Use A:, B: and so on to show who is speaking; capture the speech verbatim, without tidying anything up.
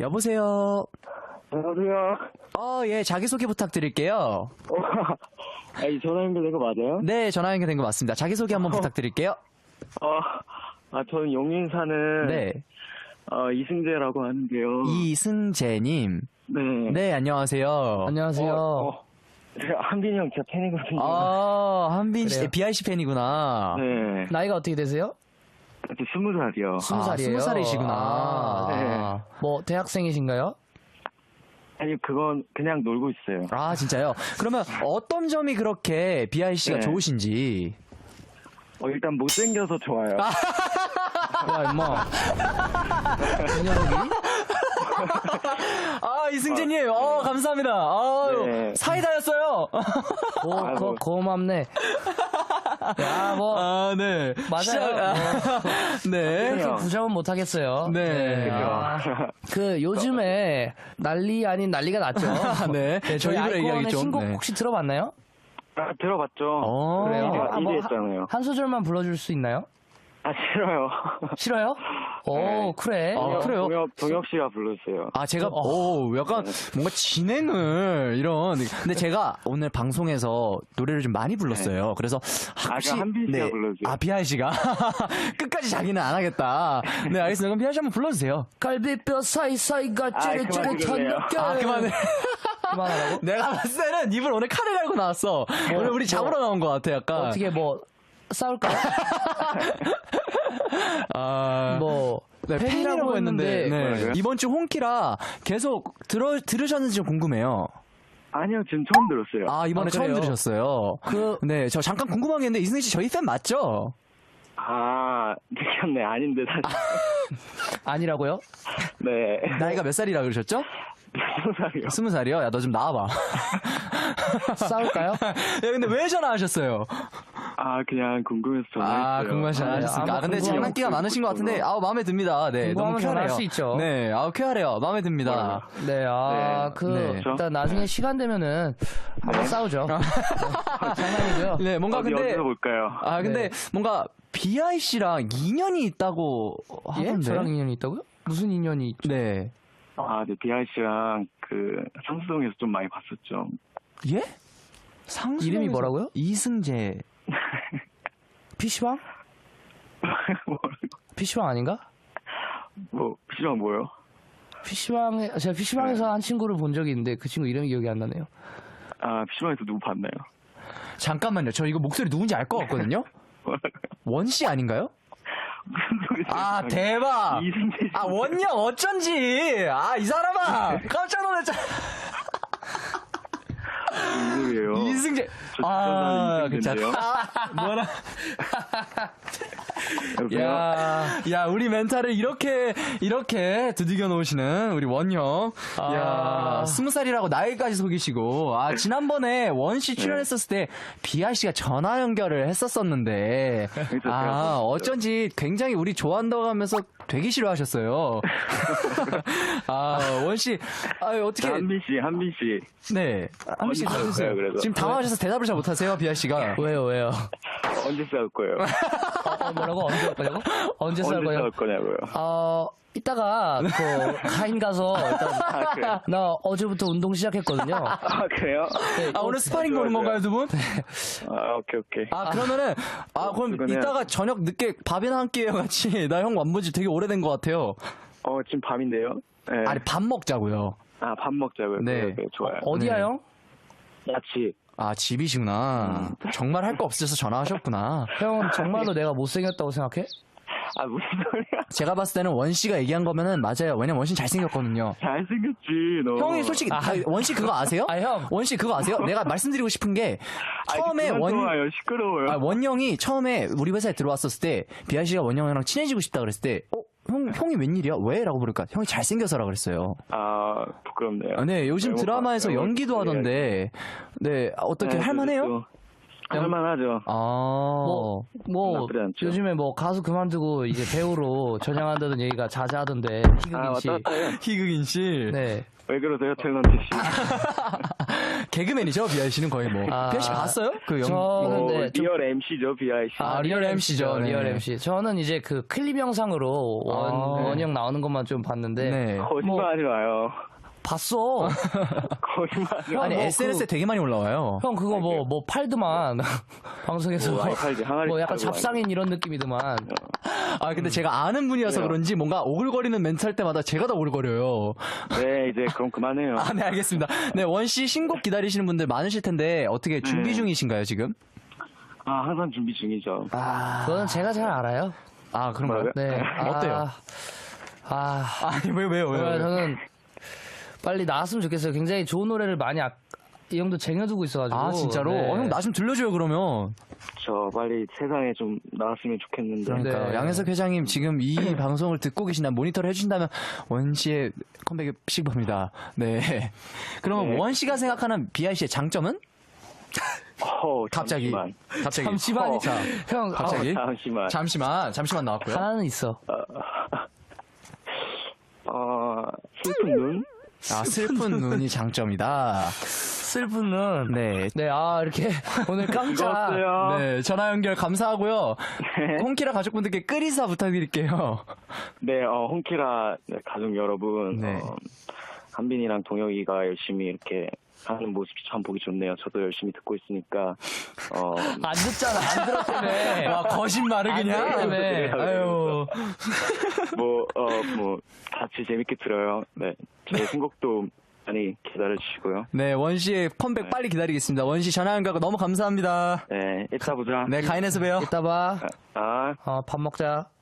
A: 여보세요.
B: 안녕하세요.
A: 어, 예, 자기소개 부탁드릴게요.
B: 어, 아니, 전화 연결된 거 맞아요?
A: 네, 전화 연결된 거 맞습니다. 자기소개 한번
B: 어.
A: 부탁드릴게요.
B: 어, 아, 저는 용인 사는,
A: 네.
B: 어, 이승재라고 하는데요.
A: 이승재님.
B: 네.
A: 네, 안녕하세요.
C: 안녕하세요.
B: 어, 어, 제가 한빈이 형 진짜 팬이거든요.
A: 아, 한빈 씨,
C: 그래요?
A: 비아이씨 팬이구나.
B: 네.
C: 나이가 어떻게 되세요?
B: 저 스무 살이요.
C: 스무 살이에요.
A: 스무 살이시구나.
C: 아,
B: 네.
C: 뭐 대학생이신가요?
B: 아니, 그건 그냥 놀고 있어요.
A: 아, 진짜요? 그러면 어떤 점이 그렇게 비아이씨가
B: 네.
A: 좋으신지.
B: 어, 일단 못생겨서 좋아요.
C: 야 임마. 이 녀석이?
A: 아, 이승재님, 어, 감사합니다. 아유,
B: 네.
A: 사이다였어요.
C: 고,
B: 아이고.
C: 고, 고맙네. 야, 뭐,
A: 아, 네.
C: 맞아요.
A: 시작- 아, 네.
B: 그래요.
C: 그렇게 부정은 못하겠어요.
A: 네.
C: 아, 그, 요즘에 난리 아닌 난리가 났죠.
A: 네.
C: 네, 저희
A: 저희 입으로
C: 아이콘의
A: 얘기하기 좀.
C: 신곡
A: 네.
C: 혹시 들어봤나요?
B: 아, 들어봤죠?
A: 어.
C: 그래요?
B: 일 위
C: 아, 뭐,
B: 했잖아요.
C: 한, 한 소절만 불러줄 수 있나요?
B: 아, 싫어요.
C: 싫어요? 오,
B: 네.
C: 그래.
A: 아, 그래요?
B: 동혁, 동혁 씨가 불러주세요.
A: 아, 제가, 오, 약간, 뭔가 진행을, 이런. 근데 제가 오늘 방송에서 노래를 좀 많이 불렀어요. 그래서, 아,
B: 아,
A: 혹시.
B: 그럼 한빈 씨가 불러주세요.
A: 아, 비아이 씨가? 끝까지 자기는 안 하겠다. 네, 알겠습니다. 그럼 비아이 씨 한번 불러주세요.
C: 갈비뼈 사이사이가
B: 아,
C: 찌릿찌릿한
B: 그만하실래요?
C: 느낌.
A: 아, 그만해.
C: 그만하라고?
A: 내가 봤을 때는 입을 오늘 칼을 갈고 나왔어. 오늘 우리 잡으러 나온 것 같아, 약간.
C: 어떻게 뭐, 싸울까요?
A: 아.
C: 뭐,
A: 네, 팬이라고 했는데, 네.
B: 뭐라고요?
A: 이번 주 홍키라 계속 들어, 들으셨는지 좀 궁금해요.
B: 아니요, 지금 처음 들었어요.
A: 아, 이번에
C: 아,
A: 처음
C: 그래요?
A: 들으셨어요.
C: 그-
A: 네, 저 잠깐 궁금한 게 있는데, 이승희 씨 저희 팬 맞죠?
B: 아, 느꼈네. 아닌데, 사실.
C: 아니라고요?
B: 네.
A: 나이가 몇 살이라 그러셨죠?
B: 스무 살이요.
A: 스무 살이요? 야, 너 좀 나와봐.
C: 싸울까요?
A: 야, 근데 왜 전화하셨어요?
B: 아, 그냥 궁금해서 전화했어요.
A: 아, 궁금하시
C: 아,
A: 않으셨습니까?
C: 아마
A: 아, 근데
C: 궁금하면
A: 장난기가 많으신 것 같은데,
B: 그렇구나.
A: 아우, 마음에 듭니다. 네, 너무
C: 궁금하면 전화할
A: 쾌활해요.
C: 수 있죠.
A: 네, 아우, 쾌활해요. 마음에 듭니다.
C: 네, 아,
B: 네.
C: 그,
A: 네.
C: 일단 나중에 시간 되면은 한번 싸우죠. 장난이고요.
A: 네, 뭔가
B: 어디,
A: 근데,
B: 어디서 볼까요?
A: 아, 근데
C: 네.
A: 뭔가 비아이 씨랑 인연이 있다고
C: 예?
A: 하던데.
C: 저랑 인연이 있다고요? 무슨 인연이 있죠?
A: 네.
B: 아, 네, 비아이 씨랑 그, 상수동에서 좀 많이 봤었죠.
A: 예? 상수
C: 이름이 뭐라고요?
A: 이승재.
C: 피시방?
B: 뭐라고?
C: 피시방 아닌가?
B: 뭐, 피시방 뭐요?
C: 피시방에, 제가 피시방에서 한 친구를 본 적이 있는데 그 친구 이름이 기억이 안 나네요.
B: 아, 피시방에서 누구 봤나요?
A: 잠깐만요. 저 이거 목소리 누군지 알 것 같거든요?
B: 뭐라고요?
A: 원 씨 아닌가요?
B: 무슨 소리세요?
A: 아, 대박!
B: 이승재 씨.
A: 아, 원영 어쩐지! 아, 이 사람아! 깜짝 놀랐잖아!
B: 무슨 소리예요?
A: 이승재!
B: 저
A: 아,
B: 진짜
A: 괜찮아.
B: 이승재인데요?
A: 아, 뭐라.
B: 여보세요?
A: 야, 야, 우리 멘탈을 이렇게, 이렇게 두들겨 놓으시는 우리 원형.
C: 아.
A: 야, 스무 살이라고 나이까지 속이시고. 아, 지난번에 원씨 출연했었을 때, 비아 씨가 전화 연결을 했었었는데, 아, 어쩐지 굉장히 우리 좋아한다고 하면서 되게 싫어하셨어요. 아, 원씨, 아, 어떻게.
B: 한빈 씨, 한빈 씨.
A: 네. 한번 씨
B: 언제 싸울
A: 해주세요.
B: 거예요, 그래서?
A: 지금 당황하셔서 대답을 잘 못하세요, 비아 씨가.
C: 왜요, 왜요?
B: 언제 싸울 거예요?
C: 어, 어, 뭐라고? 언제 할 거냐고? 언제 싸울
B: 언제
C: 거냐고?
B: 싸울 거냐고요?
C: 어, 이따가, 그, 가인 가서, 일단,
B: 아, 그래요?
C: 나 어제부터 운동 시작했거든요.
B: 아, 그래요?
A: 아, 오늘 스파링
B: 좋아요,
A: 보는 건가요,
B: 좋아요.
A: 두 분?
B: 아, 오케이, 오케이.
A: 아, 그러면은, 아, 그럼
B: 그거는-
A: 이따가 저녁 늦게 밥이나 한 끼 같이, 나 형 완본지 되게 오래된 것 같아요.
B: 어, 지금 밤인데요? 네.
A: 아니, 밥 먹자고요.
B: 아, 밥 먹자고요.
A: 네.
B: 네. 네, 좋아요.
C: 어디야,
A: 네.
C: 형?
B: 야치.
A: 아, 집이시구나. 정말 할 거 없으셔서 전화하셨구나.
C: 형, 정말로 내가 못생겼다고 생각해?
B: 아, 무슨 소리야?
A: 제가 봤을 때는 원씨가 얘기한 거면은 맞아요. 왜냐면 원씨 잘생겼거든요.
B: 잘생겼지, 너.
A: 형이 솔직히, 아, 원씨 그거 아세요?
C: 아, 형.
A: 원씨 그거 아세요? 내가 말씀드리고 싶은 게, 처음에
B: 아이,
A: 원,
B: 좋아요. 시끄러워요.
A: 아, 원영이 처음에 우리 회사에 들어왔었을 때, 비아 씨가 원영이랑 친해지고 싶다 그랬을 때, 어? 형, 형이 웬일이야? 왜? 라고 부르니까, 형이 잘생겨서라 그랬어요.
B: 아, 부끄럽네요.
A: 아, 네, 요즘
B: 외모
A: 드라마에서
B: 봐- 외모
A: 연기도
B: 보여야지.
A: 하던데, 네, 어떻게
B: 네,
A: 할만해요?
B: 그래도 할만하죠.
A: 아,
C: 뭐, 뭐,
B: 나쁘지 않죠.
C: 요즘에 뭐 가수 그만두고 이제 배우로 전향한다는 얘기가 자자하던데,
B: 아,
C: 희극인 씨.
B: 왔다 갔다 해요.
A: 희극인 씨.
C: 네.
B: 왜 그러세요, 탤런트 씨?
A: 개그맨이죠, 비아이 씨는 거의 뭐.
C: 아,
A: 비아이 씨 봤어요? 그 영.
C: 저는
B: 뭐,
C: 네, 좀-
B: 리얼 엠씨죠, 비아이 씨.
A: 아, 리얼 엠씨죠. 네.
C: 리얼 엠씨. 저는 이제 그 클립 영상으로 원,
A: 아.
C: 원형 나오는 것만 좀 봤는데.
A: 네.
B: 거짓말하지 마요.
C: 봤어.
B: 거짓말하지
C: 형,
A: 아니,
C: 뭐
A: 에스엔에스에
C: 그-
A: 되게 많이 올라와요.
C: 형 그거 뭐 뭐 팔드만 방송에서
B: 뭐,
C: 뭐,
B: 아이팔드 항아리
C: 뭐 약간
B: 팔고
C: 잡상인 이런 느낌이더만.
A: 아, 근데 제가 아는 분이어서
B: 그래요.
A: 그런지 뭔가 오글거리는 멘트 할 때마다 제가 더 오글거려요.
B: 네, 이제 그럼 그만해요.
A: 아, 네, 알겠습니다. 네, 원씨 신곡 기다리시는 분들 많으실 텐데, 어떻게 준비
B: 네. 중이신가요,
A: 중이신가요, 지금?
B: 아, 항상 준비 중이죠.
A: 아,
C: 그거는 제가 잘 알아요.
A: 아, 그런가요?
C: 네.
A: 어때요?
C: 아,
A: 아니, 왜요, 왜요, 왜요?
C: 아,
A: 왜요?
C: 저는 빨리 나왔으면 좋겠어요. 굉장히 좋은 노래를 많이 아, 이 형도 쟁여두고 있어가지고.
A: 아, 진짜로?
C: 네.
A: 어, 형, 나 좀 들려줘요, 그러면.
B: 저 빨리 세상에 좀 나왔으면 좋겠는데.
A: 그러니까
C: 네.
A: 양혜석 회장님 지금 이 방송을 듣고 계신다면 모니터를 해주신다면 원씨의 컴백이 시급합니다. 네. 그러면
B: 네.
A: 원씨가 생각하는 비아이 씨의 장점은?
B: 어,
A: 갑자기.
B: 잠시만.
A: 갑자기.
C: 잠시만요.
A: 자,
C: 형,
A: 갑자기.
B: 어, 잠시만.
A: 잠시만, 잠시만
C: 아,
A: 나왔고요.
C: 하나는 있어.
B: 어, 슬픈 눈?
A: 아, 슬픈 눈이 장점이다.
C: 슬픈 눈.
A: 네.
C: 네, 아, 이렇게 오늘 깜짝.
B: 고맙어요.
A: 네, 전화 연결 감사하고요.
B: 네.
A: 홍키라 가족분들께 끓이사 부탁드릴게요.
B: 네, 어, 홍키라 네, 가족 여러분.
A: 네.
B: 어, 한빈이랑 동혁이가 열심히 이렇게 하는 모습이 참 보기 좋네요. 저도 열심히 듣고 있으니까. 어,
C: 안 듣잖아, 안 들었다며.
A: 와, 거짓말을 그냥.
C: 안
B: 네.
C: 들었다며.
A: 아유.
B: 뭐, 어, 뭐, 같이 재밌게 들어요. 네. 제 신곡도 많이 기다려주시고요.
A: 네, 원씨의 컴백 빨리 기다리겠습니다. 원씨 전화 연결 너무 감사합니다.
B: 네, 이따 보자.
A: 네, 가인에서 봬요.
C: 이따 봐.
B: 아.
C: 어, 밥 먹자.